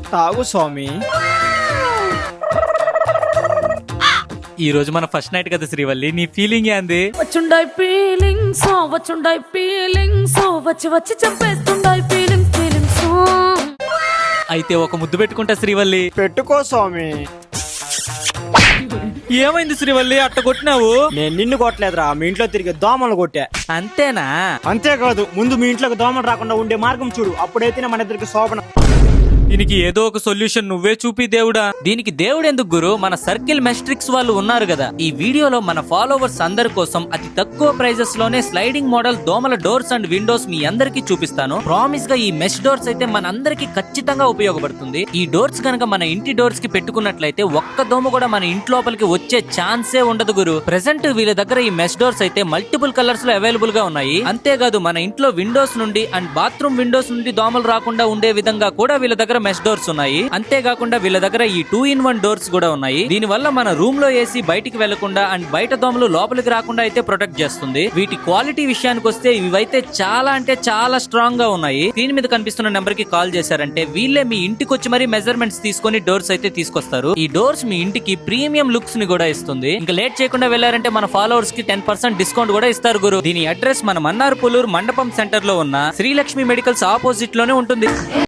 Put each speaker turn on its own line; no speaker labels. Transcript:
తాగు స్వామి.
ఈ రోజు మన ఫస్ట్ నైట్ కదా శ్రీవల్లి, నీ ఫీలింగ్ ఏంది?
వచ్చుండాయి ఫీలింగ్స్, వచ్చుండాయి ఫీలింగ్స్, వచ్చి వచ్చి చంపేస్తుండాయి ఫీలింగ్స్ ఫీలింగ్స్.
అయితే ఒక ముద్దు పెట్టుకుంటా శ్రీవల్లి.
పెట్టుకో స్వామి.
ఏమైంది శ్రీవల్లి అట్ట కొట్టినావు?
నేను నిన్ను కొట్టలేదురా, మీ ఇంట్లో తిరిగే దోమలు కొట్టా.
అంతేనా?
అంతేకాదు, ముందు మీ ఇంట్లోకి దోమలు రాకుండా ఉండే మార్గం చూడు, అప్పుడైతేనే మన ఇద్దరికి శోభన.
దీనికి ఏదో ఒక సొల్యూషన్ నువ్వే చూపి దేవుడా. దీనికి దేవుడు ఎందుకు గురు, మన సర్కిల్ మెస్ట్రిక్స్ వాళ్ళు ఉన్నారు కదా. ఈ వీడియోలో మన ఫాలోవర్స్ అందరి కోసం అతి తక్కువ ప్రైజెస్ లోనే స్లైడింగ్ మోడల్ దోమల డోర్స్ అండ్ విండోస్ మీ అందరికి చూపిస్తాను. ప్రామిస్ గా ఈ మెష్ డోర్స్ అయితే మన అందరికి ఖచ్చితంగా ఉపయోగపడుతుంది. ఈ డోర్స్ కనుక మన ఇంటి డోర్స్ కి పెట్టుకున్నట్లయితే ఒక్క దోమ కూడా మన ఇంటి లోపలికి వచ్చే ఛాన్సే ఉండదు గురు. ప్రెసెంట్ వీళ్ళ దగ్గర ఈ మెష్ డోర్స్ అయితే మల్టిపుల్ కలర్స్ లో అవైలబుల్ గా ఉన్నాయి. అంతేకాదు మన ఇంట్లో విండోస్ నుండి అండ్ బాత్రూమ్ విండోస్ నుండి దోమలు రాకుండా ఉండే విధంగా కూడా వీళ్ళ దగ్గర మెష్ డోర్స్ ఉన్నాయి. అంతేకాకుండా వీళ్ళ దగ్గర ఈ 2-in-1 డోర్స్ కూడా ఉన్నాయి. దీని వల్ల మన రూమ్ లో ఏసీ బయటికి వెళ్లకుండా అండ్ బయట దోమలు లోపలికి రాకుండా అయితే ప్రొటెక్ట్ చేస్తుంది. వీటి క్వాలిటీ విషయానికి వస్తే ఇవైతే చాలా అంటే చాలా స్ట్రాంగ్ గా ఉన్నాయి. స్క్రీన్ మీద కనిపిస్తున్న నెంబర్ కి కాల్ చేశారంటే వీళ్ళే మీ ఇంటికి వచ్చి మరీ మెజర్మెంట్స్ తీసుకొని డోర్స్ అయితే తీసుకొస్తారు. ఈ డోర్స్ మీ ఇంటికి ప్రీమియం లుక్స్ ని కూడా ఇస్తుంది. ఇంకా లేట్ చేయకుండా వెళ్లారంటే మన ఫాలోవర్స్ కి 10% డిస్కౌంట్ కూడా ఇస్తారు గురు. దీని అడ్రస్ మన మన్నార్ పులూర్ మండపం సెంటర్ లో ఉన్న శ్రీలక్ష్మి మెడికల్స్ ఆపోజిట్ లోనే ఉంటుంది.